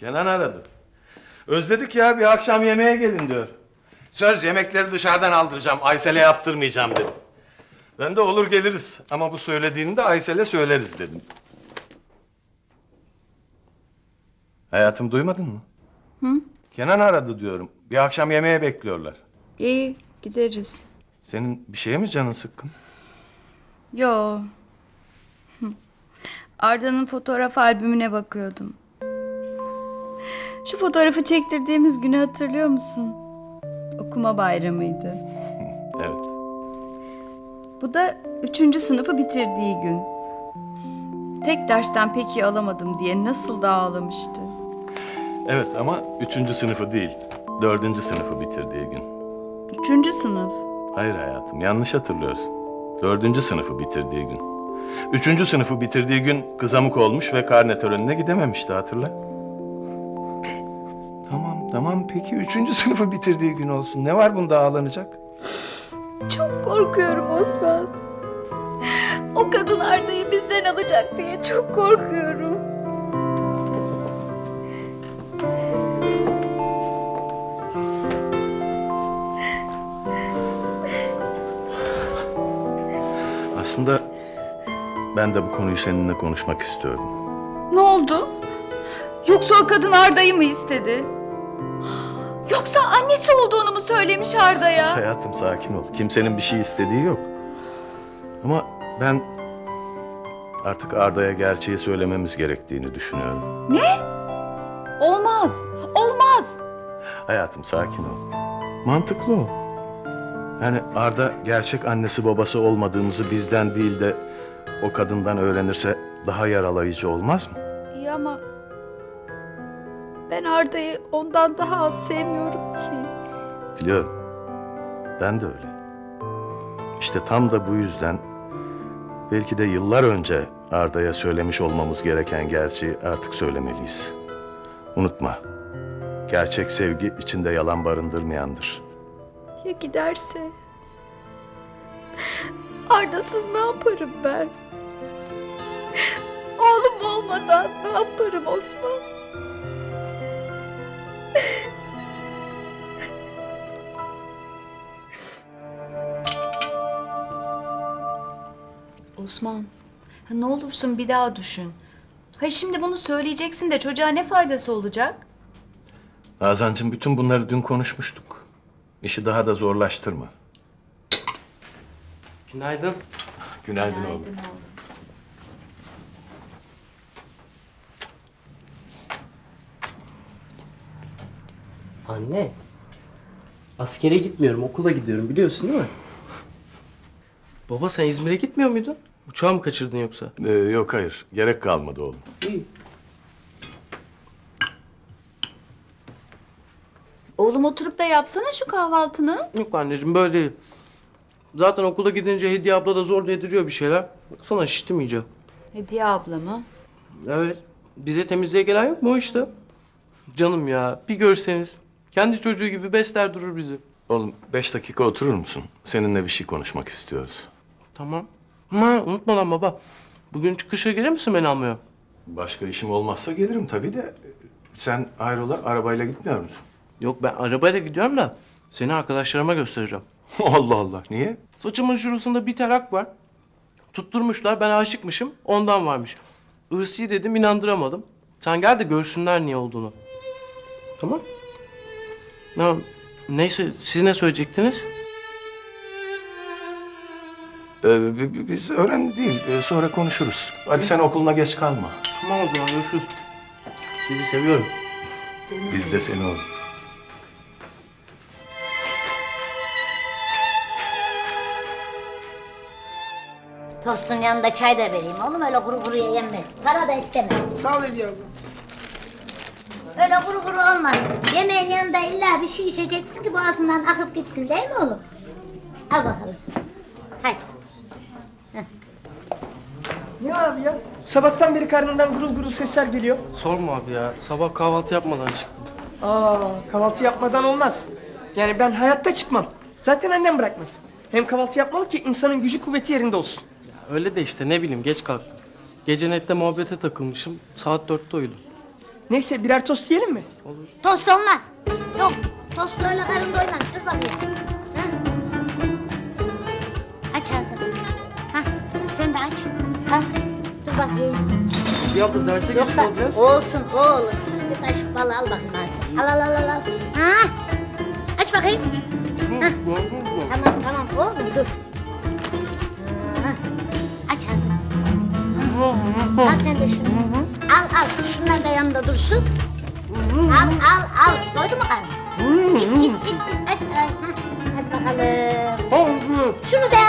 Kenan aradı. Özledik ya, bir akşam yemeğe gelin diyor. Söz, yemekleri dışarıdan aldıracağım, Aysel'e yaptırmayacağım dedim. Ben de olur geliriz ama bu söylediğini de Aysel'e söyleriz dedim. Hayatım, duymadın mı? Hı? Kenan aradı diyorum. Bir akşam yemeğe bekliyorlar. İyi, gideriz. Senin bir şeye mi canın sıkkın? Yo. Arda'nın fotoğraf albümüne bakıyordum. Şu fotoğrafı çektirdiğimiz günü hatırlıyor musun? Okuma bayramıydı. Evet. Bu da 3. sınıfı bitirdiği gün. Tek dersten pek iyi alamadım diye nasıl da ağlamıştı. Evet ama 3. sınıfı değil, 4. sınıfı bitirdiği gün. 3. sınıf. Hayır hayatım, yanlış hatırlıyorsun. 4. sınıfı bitirdiği gün. 3. sınıfı bitirdiği gün kızamık olmuş ve karne törenine gidememişti, hatırla. Tamam peki 3. sınıfı bitirdiği gün olsun. Ne var bunda ağlanacak? Çok korkuyorum Osman. O kadın Arda'yı bizden alacak diye çok korkuyorum. Aslında ben de bu konuyu seninle konuşmak istiyordum. Ne oldu? Yoksa o kadın Arda'yı mı istedi? Yoksa annesi olduğunu mu söylemiş Arda'ya? Hayatım, sakin ol. Kimsenin bir şey istediği yok. Ama ben artık Arda'ya gerçeği söylememiz gerektiğini düşünüyorum. Ne? Olmaz. Olmaz. Hayatım, sakin ol. Mantıklı o. Yani Arda gerçek annesi babası olmadığımızı bizden değil de o kadından öğrenirse daha yaralayıcı olmaz mı? İyi ama ben Arda'yı ondan daha az sevmiyorum ki. Biliyorum. Ben de öyle. İşte tam da bu yüzden belki de yıllar önce Arda'ya söylemiş olmamız gereken gerçeği artık söylemeliyiz. Unutma. Gerçek sevgi içinde yalan barındırmayandır. Ya giderse? Arda'sız ne yaparım ben? Oğlum olmadan ne yaparım Osman? Osman, ha ne olursun bir daha düşün. Hayır şimdi bunu söyleyeceksin de çocuğa ne faydası olacak? Nazancığım, bütün bunları dün konuşmuştuk. İşi daha da zorlaştırma. Günaydın. Günaydın oğlum. Anne. Askere gitmiyorum, okula gidiyorum biliyorsun değil mi? Baba sen İzmir'e gitmiyor muydun? Uçağı mı kaçırdın yoksa? Yok hayır. Gerek kalmadı oğlum. İyi. Oğlum oturup da yapsana şu kahvaltını. Yok anneciğim böyle değil. Zaten okula gidince Hediye abla da zor yediriyor bir şeyler. Baksana şiştim iyice. Hediye abla mı? Evet. Bize temizliğe gelen yok mu o işte? Canım ya bir görseniz. Kendi çocuğu gibi besler durur bizi. Oğlum 5 dakika oturur musun? Seninle bir şey konuşmak istiyoruz. Tamam. Ama unutma lan baba. Bugün çıkışa gelir misin beni almaya? Başka işim olmazsa gelirim tabii de. Sen hayrola, arabayla gitmiyor musun? Yok ben arabayla gidiyorum da seni arkadaşlarıma göstereceğim. Allah Allah, niye? Saçımın şurasında bir tarak var. Tutturmuşlar ben aşıkmışım ondan varmış. Irsi dedim inandıramadım. Sen gel de görsünler niye olduğunu. Tamam. Ya, neyse siz ne söyleyecektiniz? Biz öğrenci değil, sonra konuşuruz. Hadi sen okuluna geç kalma. Tamam o zaman görüşürüz. Sizi seviyorum. Biz de seni oğlum. Tostun yanında çay da vereyim oğlum, öyle kuru kuruya yenmez. Para da istemem. Sağ ol Hediye abla. Öyle kuru kuru olmaz. Yemeğin yanında illa bir şey içeceksin ki boğazından akıp gitsin değil mi oğlum? Al bakalım. Hadi. Ne abi ya? Sabahtan beri karnından gurul gurul sesler geliyor. Sorma abi ya. Sabah kahvaltı yapmadan çıktım. Kahvaltı yapmadan olmaz. Yani ben hayatta çıkmam. Zaten annem bırakmaz. Hem kahvaltı yapmalı ki insanın gücü kuvveti yerinde olsun. Öyle de işte ne bileyim geç kalktım. Gece nette muhabbete takılmışım. Saat 4'te uyudum. Neyse birer tost yiyelim mi? Tost olmaz. Yok, tostlarla karın doymaz. Dur bakayım. Ha? Aç ağzını. Ha, sen de aç. Ha, dur bakayım. Ya abla derse geç Yoksa kalacağız. olsun oğlum. Bir kaşık bal al bakayım ağzına. Al. Ha? Aç bakayım. Ha. Tamam oğlum dur. Ha. Aç ağzını. Ha. Al sen de şunu. Al. Şunlar da yanında dursun. Al. Doydu mu karnın? Git. Hadi bakalım. Şunu da